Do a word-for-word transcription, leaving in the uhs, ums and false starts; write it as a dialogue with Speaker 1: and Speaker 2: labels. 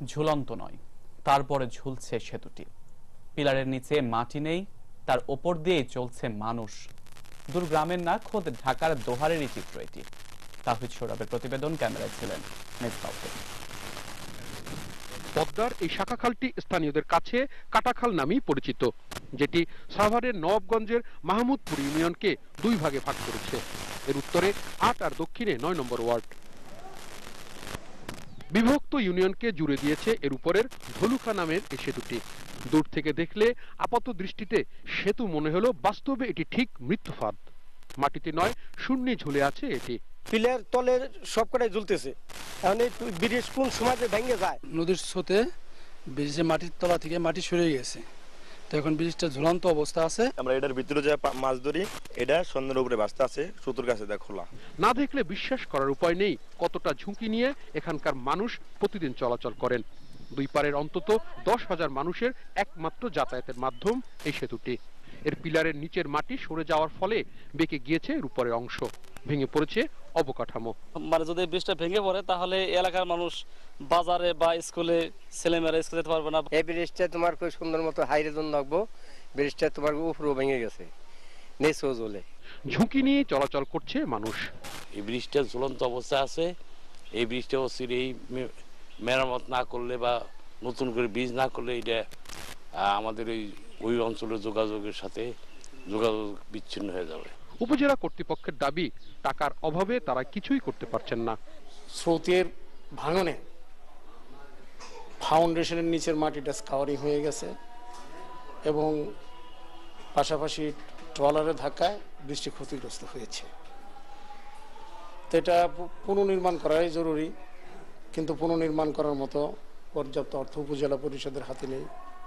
Speaker 1: ঝুলন্ত নয়, তারপরে ঝুলছে সেতুটি। পিলারের নিচে মাটি নেই, তার ওপর দিয়েই চলছে মানুষ। দূর গ্রামের না, খোদ ঢাকার দোহারেরই চিত্র এটি। তাহিদ সৌরভের প্রতিবেদন, ক্যামেরায় ছিলেন মেজবাহ।
Speaker 2: পদ্মার এই শাখা খালটি স্থানীয়দের কাছে কাটাখাল নামেই পরিচিত, যেটি সাভারের নবাবগঞ্জের মাহমুদপুর ইউনিয়নকে দুই ভাগে ভাগ করেছে। এর উত্তরে আট আর দক্ষিণে নয় নম্বর ওয়ার্ড। বিভক্ত ইউনিয়নকে জুড়ে দিয়েছে এর উপরের ধলুকা নামের এই সেতুটি। দূর থেকে দেখলে আপাত দৃষ্টিতে সেতু মনে হলো, বাস্তবে এটি ঠিক মৃত্যুফাদ। মাটিতে নয়, শূন্যে ঝুলে আছে এটি।
Speaker 3: পিলার তলে সবকটাই ঝুলতেছে। এখন এই ব্রিজ কোন সময় ভেঙে যায়।
Speaker 4: নদীর স্রোতে ব্রিজের মাটির তলা থেকে মাটি সরে গেছে, তো এখন ব্রিজটা ঝুলন্ত অবস্থা আছে।
Speaker 5: আমরা এটার ভিতরে যে মাছ ধরি, এটা সন্ধ্যের উপরে বাস্তা আছে, সুতোর কাছে দেখ খোলা।
Speaker 2: না দেখলে বিশ্বাস করার উপায় নেই কতটা ঝুঁকি নিয়ে এখানকার মানুষ প্রতিদিন চলাচল করেন। দুই পারের অন্তত দশ হাজার মানুষের একমাত্র যাতায়াতের মাধ্যম এই সেতুটি। এর পিলারের নিচের মাটি সরে যাওয়ার ফলে বেঁকে গিয়েছে এর উপরের অংশ, ভেঙে পড়েছে অবকাঠামো।
Speaker 6: মানে যদি ব্রিজটা ভেঙে পড়ে তাহলে এলাকার মানুষ বাজারে বা স্কুলে ছেলেমেয়েরা স্কুলে যেতে পারবে না।
Speaker 3: এই ব্রিজটা তোমার খুব সুন্দর মতো হাইরে জন রাখবো, ব্রিজটা তোমার উপরেও ভেঙে গেছে, নিচেও জ্বলে।
Speaker 2: ঝুঁকি নিয়ে চলাচল করছে মানুষ।
Speaker 7: এই ব্রিজটা ঝুলন্ত অবস্থা আছে। এই ব্রিজটা এই মেরামত না করলে বা নতুন করে ব্রিজ না করলে এটা আমাদের ওই ওই অঞ্চলের যোগাযোগের সাথে যোগাযোগ বিচ্ছিন্ন হয়ে যাবে।
Speaker 2: উপজেলা কর্তৃপক্ষের দাবি, টাকার অভাবে তারা কিছুই করতে পারছেন না।
Speaker 8: স্রোতের ভাঙনে ফাউন্ডেশনের নিচের মাটিটা স্কাওয়ারিং হয়ে গেছে এবং পাশাপাশি ট্রলারের ধাক্কায় বৃষ্টি ক্ষতিগ্রস্ত হয়েছে। তো এটা পুনর্নির্মাণ করাই জরুরি, কিন্তু পুনর্নির্মাণ করার মতো পর্যাপ্ত অর্থ উপজেলা পরিষদের হাতে নেই।